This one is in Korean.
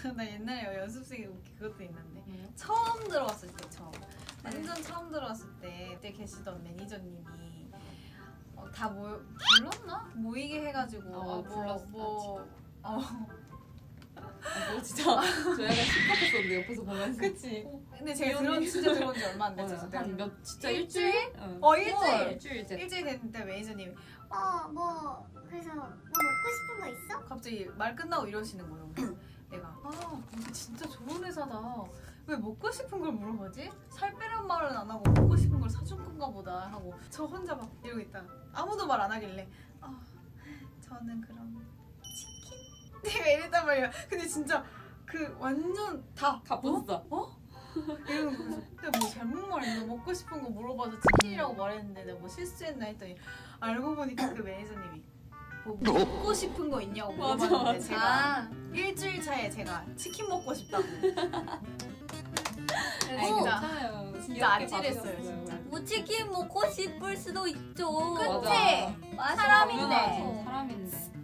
나 옛날에 연습생이 그것도 있는데 처음 들어왔을 때 완전 처음 들어왔을 때 그때 계시던 매니저님이 다 불렀나? 모이게 해가지고 불렀어. 뭐 진짜 저 약간 심각했었는데 옆에서 보면서. 그치. 근데 제가 진짜 들어온 지 얼마 안 됐어. 한몇 진짜 일주일? 일주일 됐는데 매니저님이 그래서 뭐 먹고 싶은 거 있어? 갑자기 말 끝나고 이러시는 거예요. 그래서 내가 근데 진짜 좋은 회사다. 왜 먹고 싶은 걸 물어보지? 살 빼란 말은 안 하고 먹고 싶은 걸 사준 건가 보다 하고 저 혼자 막 이러고 있다가 아무도 말 안 하길래 저는 그럼 치킨? 내가 이랬단 말이야. 근데 진짜 그 완전 다 가뿐싸. 이러는 거예요. 근데 뭐 잘못 말했나? 먹고 싶은 거 물어봐서 치킨이라고 말했는데 내가 뭐 실수했나 했더니 알고 보니까 그 매니저님이 뭐 먹고 싶은 거 있냐고 물어봤는데 제가 일주일 차에 제가 치킨 먹고 싶다고. 진짜 아찔했어요 진짜. 뭐 치킨 먹고 싶을 수도 있죠. 그치? 사람인데. 사람인데.